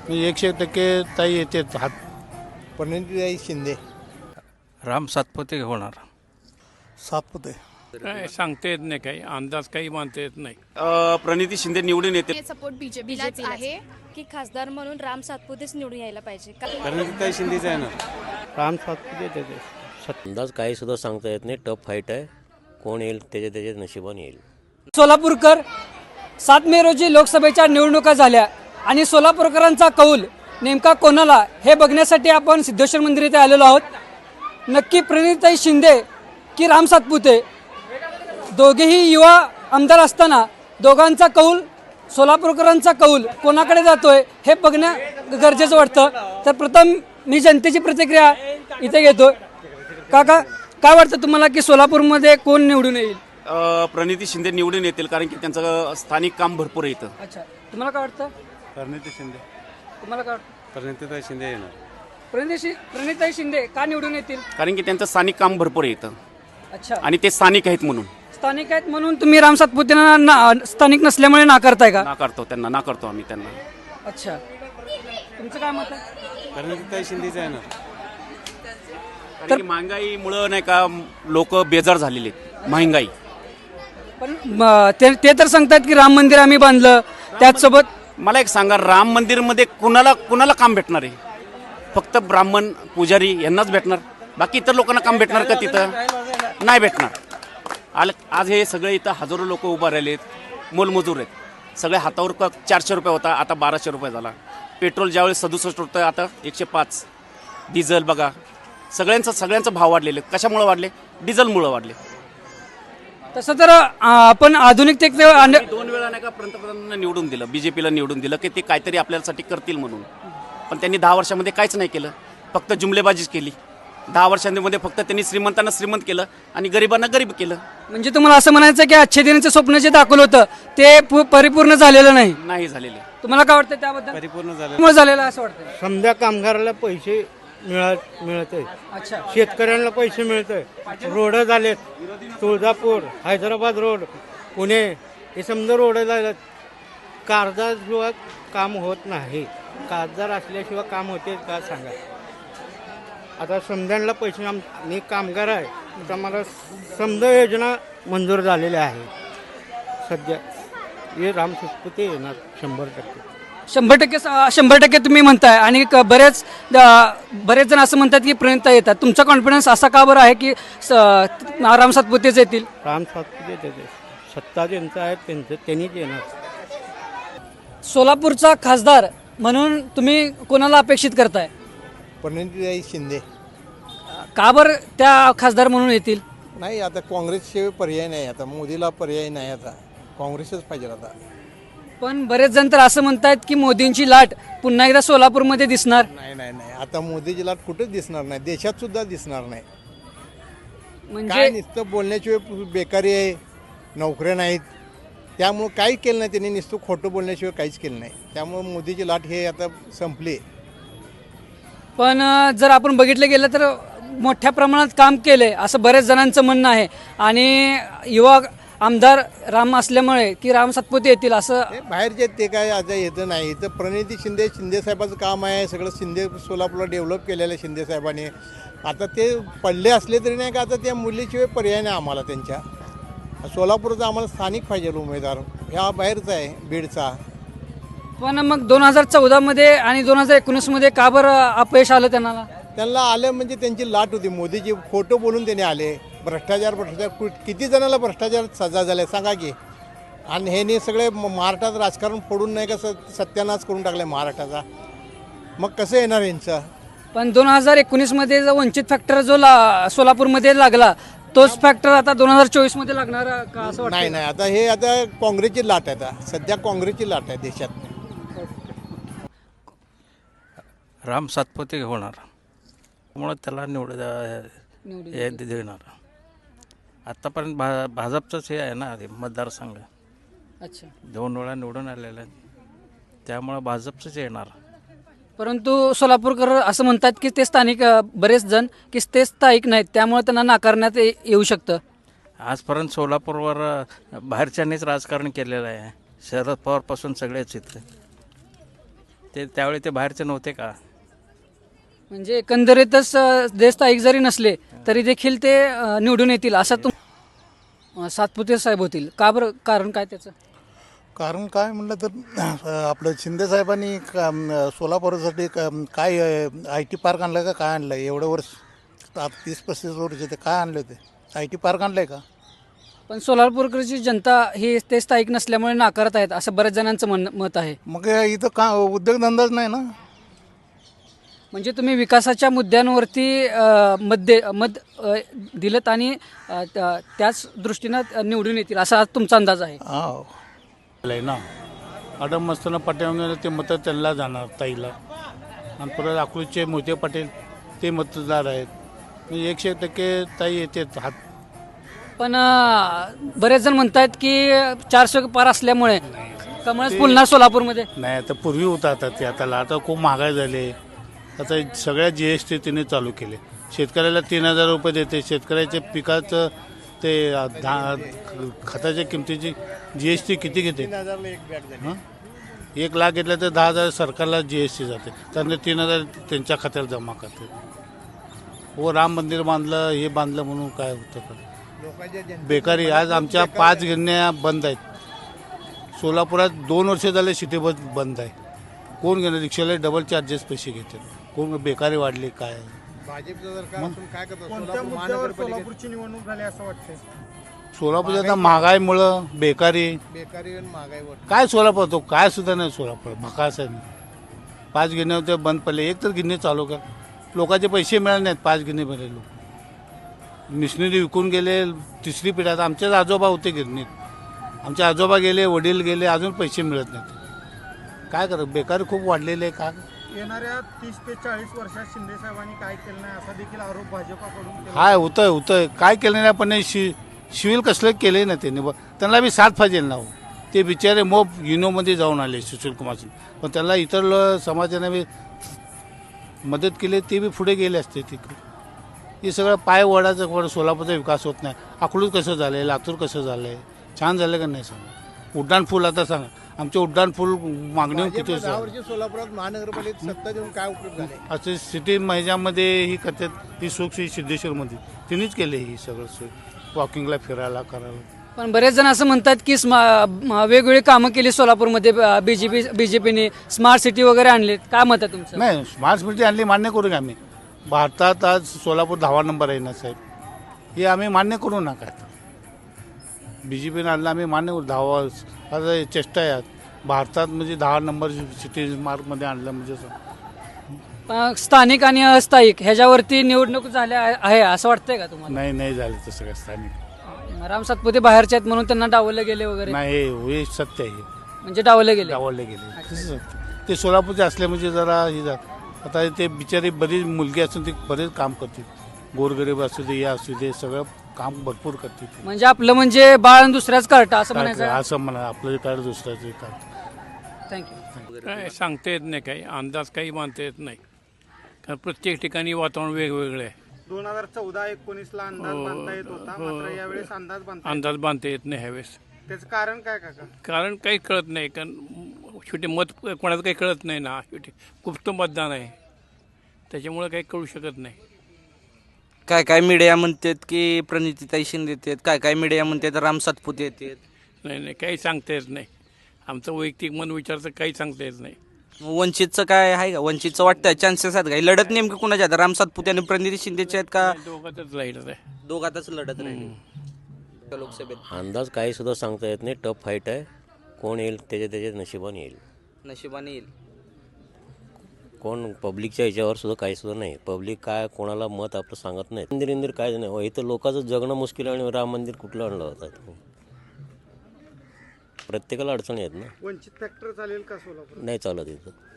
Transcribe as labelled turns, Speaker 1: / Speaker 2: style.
Speaker 1: 100% ताई येते हात. प्रणितीताई शिंदे.
Speaker 2: राम सातपुते होणार.
Speaker 1: सातपुते.
Speaker 3: काय सांगता येत नाही, काही अंदाज काही मानता येत नाही.
Speaker 4: प्रणिती शिंदे निवडून येते.
Speaker 5: सपोर्ट बीजेपीलाच आहे की खासदार म्हणून राम सातपुतेच निवडून यायला पाहिजे.
Speaker 1: प्रणितीताई शिंदेच आहे ना. राम सातपुते येते.
Speaker 6: अंदाज काही सुद्धा सांगता येत नाही. टफ फाईट आहे. कोण येईल त्याच्या नशिबाने येईल.
Speaker 7: सोलापूरकर 7 मे रोजी लोकसभेच्या निवडणुका झाल्या आणि सोलापूरकरांचा कौल नेमका कोणाला हे बघण्यासाठी आपण सिद्धेश्वर मंदिर येथे आलेलो आहोत. नक्की प्रणितीताई शिंदे की राम सातपुते, दोघेही युवा आमदार असताना दोघांचा कौल, सोलापूरकरांचा कौल कोणाकडे जातोय हे बघणं गरजेचं वाटतं. तर प्रथम मी जनतेची प्रतिक्रिया इथे घेतो. काका, काय वाटतं तुम्हाला की सोलापूरमध्ये कोण निवडून येईल?
Speaker 4: प्रणिती शिंदे निवडून येतील, कारण की त्यांचं स्थानिक काम भरपूर आहे इथं.
Speaker 7: अच्छा, तुम्हाला काय वाटतं?
Speaker 1: प्रणिती शिंदे.
Speaker 7: तुम्हाला काय वाटतं?
Speaker 1: प्रणितीताई शिंदे येणार.
Speaker 7: प्रणितीताई शिंदे का निवडून येतील?
Speaker 4: कारण की त्यांचं स्थानिक काम भरपूर आहे इथं
Speaker 7: अच्छा,
Speaker 4: आणि ते स्थानिक आहेत म्हणून.
Speaker 7: स्थानिक आहेत म्हणून तुम्ही राम सातपुतेंना स्थानिक नसल्यामुळे नाकारताय का?
Speaker 4: नाकारतो आम्ही त्यांना.
Speaker 7: अच्छा, तुमचं काय मत आहे?
Speaker 1: प्रणितीताई शिंदेच आहे ना.
Speaker 4: कारण की महागाईमुळं नाही का लोक बेजार झालेले आहेत. महागाई.
Speaker 7: पण ते तर सांगतात की राम मंदिर आम्ही बांधलं, त्याचसोबत
Speaker 4: मला एक सांगा, राम मंदिरमध्ये कुणाला काम भेटणार आहे? फक्त ब्राह्मण पुजारी यांनाच भेटणार? बाकी इतर लोकांना काम भेटणार का तिथं? नाही भेटणार. आज हे सगळे इथं हजारो लोक उभा राहिलेत, मोलमजूर आहेत. सगळे हातावर 400 रुपये होता, आता 1200 रुपये झाला. पेट्रोल ज्यावेळेस 67 होतं, आता 105. डिझेल बघा, सगळ्यांचा भाव वाढलेले. कशामुळे वाढले? डिझेलमुळे वाढले.
Speaker 7: तसं तर आपण आधुनिकतेत
Speaker 4: 2 वेळा नाही का पंतप्रधानांना निवडून दिलं, बीजेपीला निवडून दिलं की ते काहीतरी आपल्यासाठी करतील म्हणून. पण त्यांनी 10 वर्षामध्ये काहीच नाही केलं, फक्त जुमलेबाजीच केली. 10 वर्षांमध्ये फक्त त्यांनी श्रीमंतांना श्रीमंत केलं आणि गरिबांना गरीब केलं.
Speaker 7: म्हणजे तुम्हाला असं म्हणायचं की अच्छे दिनाचं स्वप्न जे दाखवलं होतं ते परिपूर्ण झालेलं नाही
Speaker 4: झालेले.
Speaker 7: तुम्हाला काय वाटतं त्याबद्दल?
Speaker 1: परिपूर्ण झालं.
Speaker 7: त्यामुळे झालेलं असं वाटतं.
Speaker 1: समजा कामगाराला पैसे मिळत आहे,
Speaker 7: अच्छा,
Speaker 1: शेतकऱ्यांना पैसे मिळत आहे, रोड झालेत. तुळजापूर, हैदराबाद रोड, पुणे, हे समजा रोड झालेत. कागदाशिवाय काम होत नाही. कागदार असल्याशिवाय काम होते का सांगा? आता समजांना पैसे, मी कामगार आहे, तर मला समजा योजना मंजूर झालेल्या आहे. सध्या हे राम सातपुते येणार 100%.
Speaker 7: 100% तुम्ही म्हणताय. आणि बरेच जण असं म्हणतात की प्रणितीताई येतात. तुमचा कॉन्फिडन्स असा का बरं आहे की राम सातपुतेच येतील?
Speaker 1: राम सातपुते येते. सत्ता ज्यांचं आहे त्यांनीच येणार.
Speaker 7: सोलापूरचा खासदार म्हणून तुम्ही कोणाला अपेक्षित करताय?
Speaker 8: प्रणितीताई शिंदे.
Speaker 7: का बरं त्या खासदार म्हणून येतील?
Speaker 8: नाही, आता काँग्रेसशिवाय पर्याय नाही. आता मोदीला पर्याय नाही, आता काँग्रेसच पाहिजे आता.
Speaker 7: पण बरेच जण तर असं म्हणतात की मोदींची लाट पुन्हा एकदा सोलापूरमध्ये दिसणार.
Speaker 8: नाही, आता मोदीची लाट कुठेच दिसणार नाही, देशात सुद्धा दिसणार नाही. काय
Speaker 7: म्हणजे
Speaker 8: नुसतं बोलण्याशिवाय बेकारी आहे, नोकऱ्या नाहीत, त्यामुळं काही केलं नाही त्यांनी. नुसतं खोटं बोलण्याशिवाय काहीच केलं नाही. त्यामुळं मोदीची लाट हे आता संपली.
Speaker 7: पण जर आपण बघितलं गेलं तर मोठ्या प्रमाणात काम केले असं बरेच जणांचं म्हणणं आहे. आणि युवा आमदार राम असल्यामुळे की राम सातपुते येतील असं
Speaker 8: ते बाहेरचे ते काय आता येतं नाही. इथं प्रणिती शिंदे साहेबाचं काम आहे. सगळं सोलापूरला डेव्हलप केलेलं आहे शिंदे साहेबांनी. आता ते पडले असले तरी नाही का, आता त्या मुलीशिवाय पर्याय नाही आम्हाला त्यांच्या. सोलापूरचा आम्हाला स्थानिक पाहिजे उमेदवार, ह्या बाहेरचा आहे, बीडचा.
Speaker 7: पण मग 2014 आणि 2019 का बरं अपयश आलं त्यांना
Speaker 8: आलं म्हणजे त्यांची लाट होती. मोदीजी खोटं बोलून त्याने आले. भ्रष्टाचार किती जणाला भ्रष्टाचार सजा झाल्या सांगा की. आणि ह्याने सगळे महाराष्ट्रात राजकारण फोडून नाही का सत्यानाश करून टाकले महाराष्ट्राचा. मग कसं येणार यांचं?
Speaker 7: पण 2019 जो वंचित फॅक्टर जो सोलापूरमध्ये लागला तोच फॅक्टर आता 2024 लागणार का असं वाटतं?
Speaker 8: नाही, आता काँग्रेसची लाट आहे. आता सध्या काँग्रेसची लाट आहे देशात.
Speaker 2: राम सातपुते होणार, त्यामुळं त्याला देणार. आत्तापर्यंत भाजपचंच हे आहे ना, ते मतदारसंघ.
Speaker 7: अच्छा,
Speaker 2: 2 वेळा निवडून आलेलं आहे, त्यामुळं भाजपचंच येणार.
Speaker 7: परंतु सोलापूरकर असं म्हणतात की ते स्थानिक बरेच जण की ते स्थायिक नाहीत, त्यामुळे त्यांना नाकारण्यात येऊ शकतं.
Speaker 2: आजपर्यंत सोलापूरवर बाहेरच्यांनीच राजकारण केलेलं आहे. शरद पवारपासून सगळेच इथले. त्यावेळी ते बाहेरचे नव्हते का?
Speaker 7: म्हणजे एकंदरीतच देश स्थायिक जरी नसले तरी देखील ते निवडून येतील असं सातपुते साहेब होतील का बरं? कारण काय त्याचं?
Speaker 9: कारण काय म्हणलं तर आपलं शिंदे साहेबांनी सोलापूरसाठी काय आय टी पार्क आणलं का काय आणलं एवढं वर्ष 30-35 वर्ष ते काय आणलं ते आय टी पार्क आणलं आहे का?
Speaker 7: पण सोलापूरकडची जनता ही ते स्थायिक नसल्यामुळे नाकारत आहेत असं बऱ्याच जणांचं मत आहे.
Speaker 9: मग इथं का उद्योगधंदाच नाही ना.
Speaker 7: म्हणजे तुम्ही विकासाच्या मुद्द्यांवरती मत दिलं आणि त्याच दृष्टीनं निवडून येतील असा तुमचा अंदाज आहे.
Speaker 9: हा
Speaker 3: ना आडम मस्ताना पाटील ते मतं त्यांना जाणार ताईला, आणि परत अकलूजचे मोहिते पाटील ते मतदार आहेत. म्हणजे 100% ताई येते हात.
Speaker 7: पण बरेच जण म्हणतात की 400 पार असल्यामुळे कमळच फुलणार सोलापूरमध्ये.
Speaker 3: नाही, आता पूर्वी होता, आता ते आता खूप महागाई झाले. आता सगळ्या GST तिने चालू केले. शेतकऱ्याला 3000 रुपये देते. शेतकऱ्याच्या पिकाचं ते खताच्या किमतीची GST किती घेते? 1 लाख घेतलं तर 10,000 सरकारला GST जाते. त्यानंतर 3000 त्यांच्या खात्याला जमा करते. हो, राम मंदिर बांधलं, हे बांधलं म्हणून काय होतं का? बेकारी. आज आमच्या 5 गिरण्या बंद आहेत. सोलापुरात 2 वर्ष झाले सिटी बस बंद आहे. कोण घेणार? रिक्षाला डबल चार्जेस पैसे घेतात. कोण? बेकारी वाढली काय?
Speaker 8: सोलापूरची निवडणूक झाली असं वाटतंय.
Speaker 3: सोलापूर आता महागाईमुळं बेकारी
Speaker 8: आणि महागाईवर
Speaker 3: काय सोलापूर तो काय सुद्धा नाही. सोलापूर भकास आहे. 5 गिरण्या होत्या बंद पडले. एक तर गिरणी चालू कर. लोकांचे पैसे मिळाले नाहीत. 5 गिरणीमध्ये लोक मिशनरी विकून गेले. 3री पिढ्यात आमचेच आजोबा होते गिरणीत. आमचे आजोबा गेले, वडील गेले, अजून पैसे मिळत नाहीत. काय करत? बेकारी खूप वाढलेली आहे. का
Speaker 8: येणाऱ्या 30 ते 40 वर्षात शिंदे साहेबांनी काय केलं नाही असा देखील आरोप भाजपाकडून
Speaker 3: हाय होतंय काय केलं नाही. पण शिविल कसलं केले ना त्यांनी. त्यांना बी साथ पाहिजे ना. ते बिचारे मोब युनोमध्ये जाऊन आले सुशील कुमार सिंग, पण त्यांना इतर समाजाने बी मदत केली, ते बी पुढे गेले असते तिकडे. हे सगळं पाय वडाचं सोलापूरचा विकास होत नाही. अकलूज कसं झालं आहे, लातूर कसं झालं आहे, छान झालं का नाही सांगा. उड्डाणपूल आता सांगा, आमचे उड्डाणपूल मागणी किती
Speaker 8: 10 वर्ष सोलापुरात महानगरपालिकेत सत्ता देऊन काय उपयोग झाले?
Speaker 3: असे सिटी महिन्यामध्ये ही करतात. ही सुख सिद्धेश्वरमध्ये तिनेच केले. ही सगळं सोय वॉकिंगला फिरायला करायला.
Speaker 7: पण बरेच जण असं म्हणतात की वेगवेगळी कामं केली सोलापूरमध्ये बीजेपीने स्मार्ट सिटी वगैरे आणली. काय मत आहे तुमचं?
Speaker 3: नाही, स्मार्ट सिटी आणली मान्य करू का आम्ही. भारतात आज सोलापूर 10वा नंबर आहे ना साहेब. हे आम्ही मान्य करू नका. BJPने आणलं आम्ही मान्य करू. 10वा आता चेष्टा आहे. भारतात म्हणजे 10 नंबर सिटी मार्कमध्ये आणलं म्हणजे
Speaker 7: स्थानिक आणि अस्थायिक ह्याच्यावरती निवडणूक झाल्या आहे असं वाटतंय का तुम्हाला?
Speaker 3: नाही झालं तसं काय. स्थानिक
Speaker 7: राम सातपुते बाहेरचे आहेत म्हणून त्यांना डावलले गेले वगैरे?
Speaker 3: नाही, हे सत्य आहे.
Speaker 7: म्हणजे डावलले गेले.
Speaker 3: गेले ते सोलापूरचे असले म्हणजे जरा हे जात. आता ते बिचारी बरीच मुलगी असून ते बरेच काम करतील. गोरगरीब असू दे, या असू दे, सगळं काम भरपूर करतील.
Speaker 7: म्हणजे आपलं म्हणजे बाळ दुसऱ्याच कार्ट असं म्हणायचं?
Speaker 3: असं म्हणा. आपलं कार्ड दुसऱ्याचं कार्ड.
Speaker 7: थँक्यू.
Speaker 3: काय सांगता येत नाही. काही अंदाज काही बांधता येत नाही. कारण प्रत्येक ठिकाणी वातावरण वेगवेगळं आहे.
Speaker 8: 2014-19ला अंदाज बांधता येत होता, मात्र यावेळेस
Speaker 3: अंदाज बांधता येत नाही ह्यावेळेस.
Speaker 8: त्याचं कारण काय काका?
Speaker 3: कारण काही कळत नाही. कारण शेवटी मत कोणाचं काही कळत नाही ना. शेवटी गुप्त मतदान आहे, त्याच्यामुळे काही कळू शकत नाही.
Speaker 2: काय मीडिया म्हणतात की प्रणितीताई शिंदे येतात, काय मीडिया म्हणतात राम सातपुते येतात.
Speaker 3: नाही काही सांगता येत नाही. आमचं वैयक्तिक मन विचारचं काही सांगता येत नाही.
Speaker 2: वंचितचं काय आहे का? वंचितचं वाटतंय चान्सेस आहेत का? लढत नेमकं कुणाच्या आहेत? राम सातपुते आणि प्रणिती शिंदेचे आहेत का?
Speaker 3: दोघातच राहिलं आहे.
Speaker 2: दोघातच लढत राहील लोकसभेत.
Speaker 6: अंदाज काही सुद्धा सांगता येत नाही. टफ फाईट आहे. कोण येईल त्याच्या नशिबाने येईल.
Speaker 2: नशिबाने येईल.
Speaker 6: कोण पब्लिकच्या ह्याच्यावर सुद्धा काही सुद्धा नाही. पब्लिक काय कोणाला मत आपलं सांगत नाही. मंदिर काय नाही. इथं लोकांचं जगणं मुश्किल आहे. आणि राम मंदिर कुठलं आणलं होतं? प्रत्येकाला अडचणी आहेत ना.
Speaker 8: वंचित फॅक्टर चालेल का सोलापूर?
Speaker 6: नाही चालत इथं.